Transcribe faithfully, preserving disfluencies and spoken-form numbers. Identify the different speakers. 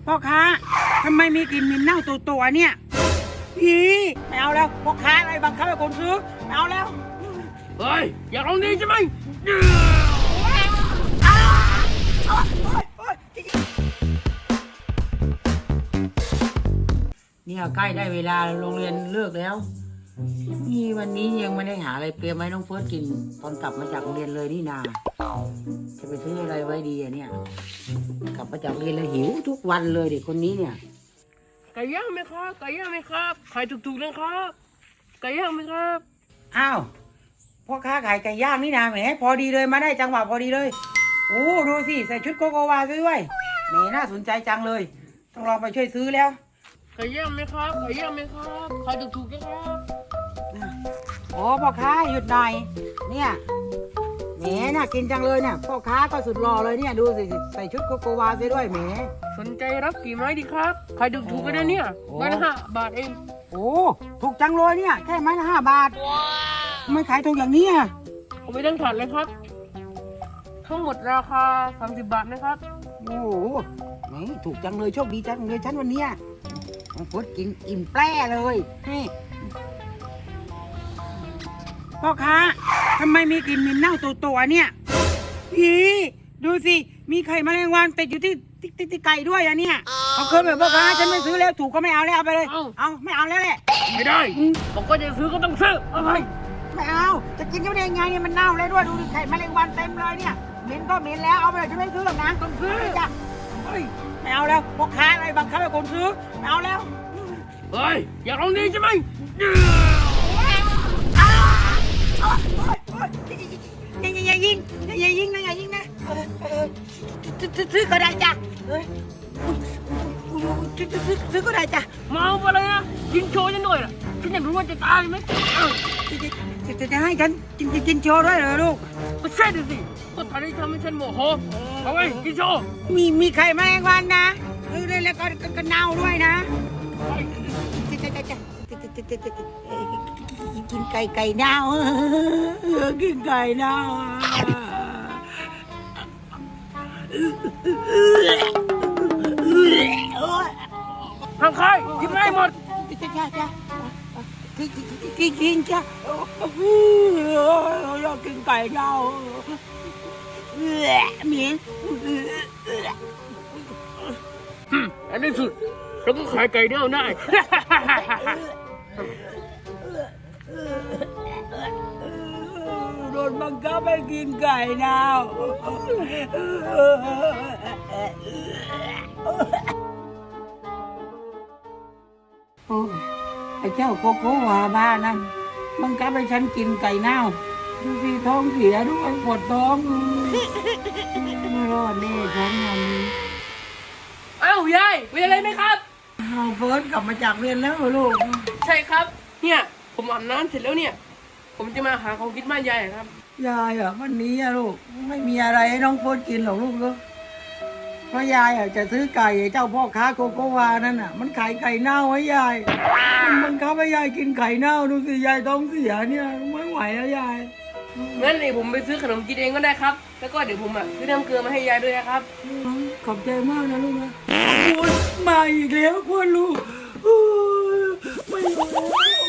Speaker 1: พ่อค้าทำไมมีกลิ่นเหม็นเน่าตัวตัวเนี่ยอีไม่เอาแล้วพ่อค้าอะไรบังคับให้คนซื้อไม่เอาแล้ว
Speaker 2: เฮ้ยอยากลองดีใช่ไหม
Speaker 1: เนี่ยใกล้ได้เวลาโรงเรียนเลิกแล้วนี่วันนี้ยังไม่ได้หาอะไรเตรียมไว้น้องเฟิร์สกินตอนกลับมาจากโรงเรียนเลยนี่นาจะไปซื้ออะไรไว้ดีอะเนี่ยกลับมาจากเรียนแล้วหิวทุกวันเลยเด็กคนนี้เนี่ย
Speaker 2: ไก่ย่างไหมครับไก่ย่างไหมครับขายถูกๆนะครับไก่ย่างไหมครับ
Speaker 1: อ้าวพ่อค้าขายไก่ย่างนี่นาแหมพอดีเลยมาได้จังหวะพอดีเลยโอ้ดูสิใส่ชุดโกโกวาด้วยแหมน่าสนใจจังเลยต้องลองไปช่วยซื้อแล้ว
Speaker 2: ไก่ย่างไหมครับไก่ย่างไหมครับขายถูกๆนะครับ
Speaker 1: โอ้พ่อค้าหยุดหน่อยเนี่ยแหมน่ากินจังเลยเนี่ยพ่อค้าก็สุดหล่อเลยเนี่ยดูสิใส่ชุดโกโกวาด้วยแหม
Speaker 2: สนใจรับกี่ไม้ดีครับขายถูกๆกันนะเนี่ยไม้ละห้าบาทเอง
Speaker 1: โอ้ถูกจังเลยเนี่ยแค่ไม้ละห้าบาทไม่ขายถูกอย่างนี้อ่ะ
Speaker 2: เอาไปทั้งถาดเลยครับทั้งหมดราคาสามสิบบาทนะครับ
Speaker 1: โอ้โหนี่ถูกจังเลยโชคดีจังเลยฉันวันเนี้ยพุดกินอิ่มแปร่เลยนี่พ่อค้าทำไมมีกลิ่นเหม็นเน่าตัวตัวเนี่ยอีดูสิมีไข่แมลงวันติดอยู่ที่ที่ที่ไก่ด้วยอะเนี่ยเอาคืนแบบพ่อค้าฉันไม่ซื้อแล้วถูกก็ไม่เอาแล้วเอาไปเลยเอาไม่เอาแล้วแหละ
Speaker 2: ไม่ได้บอกว่าจะซื้อก็ต้องซื้อเอาไป
Speaker 1: ไม่เอาจะกินก็ได้ยังไงเนี่ยมันเน่าเลยด้วยดูดิไข่แมลงวันเต็มเลยเนี่ยเหม็นก็เหม็นแล้วเอาไปเลยฉันไม่ซื้อหรอกนะ
Speaker 2: ต้องซื้อ
Speaker 1: จ้ะเฮ้ยไม่เอาแล้วพ่อค้าอะไรบังคับให้คนซื้อไม่เอาแล้ว
Speaker 2: เฮ้ยอยากลองดีใช่ไหม
Speaker 1: อย่าอย่ายิงอย่ายิงนะอย่ายิงนะซื้อก็ได้จ้ะซื้อก็ได้จ้ะ
Speaker 2: เมาไปเลยนะกินโชว์ฉันหน่อยล่ะฉันอยากรู้ว่าจะตายไหม
Speaker 1: จะจะให้ฉันกินกินโชว์ด้วยเหรอลูก
Speaker 2: ก็ใช่ดิสิก็ทำให้ทำให้ฉันโมโหเอาไว้กินโชว์
Speaker 1: มีมีไข่แมลงวันนะแล้วก็ก็เน่าด้วยนะกินไก่ไก่เน่ากินไก่เน่า
Speaker 2: ทางใครกินไม่หมด
Speaker 1: จ้าจ้าจ้ากินกินกินจ้าอยากกินไก่เน่าเหม็น
Speaker 2: อันนี้สุดเราก็ขายไก่เน่าได้
Speaker 1: โดนบังคับให้กินไก่เน่าโอ้ไอ้เจ้าโกโก้วาบ้านั่นบังคับให้ฉันกินไก่เน่าดูสิท้องเสียด้วยปวดท้องไม่รอดแน่ฉันวันนี้
Speaker 2: อ้าวยายเป็นอะไรไหมครับ
Speaker 1: เราเฟิร์สกลับมาจากเรียนแล้วลูก
Speaker 2: ใช่ครับเนี่ยผมอาบน้ำเสร็จแล้วเนี่ยผมจะมาหาของกินบ้านยายครับ
Speaker 1: ยายอ่ะวันนี้อะลูกไม่มีอะไรให้น้องเฟิร์สกินหรอกลูกก็เพราะยายอ่ะจะซื้อไก่เจ้าพ่อค้าโกโกวานั่นอ่ะมันขายไก่เน่าไว้ยายมันมันคับให้ยายกินไก่เน่าดูสิยายท้องเสียเนี่ยไม่ไหวแล้วยาย
Speaker 2: งั้นเลยผมไปซื้อขนมกินเองก็ได้ครับแล้วก็เดี๋ยวผมอ่ะซื้อน้ำเกลือมาให้ยายด้วยนะครับ
Speaker 1: ขอบใจมากนะลูกนะโอ้ยมาอีกแล้วพ่อลูกไม่ไหว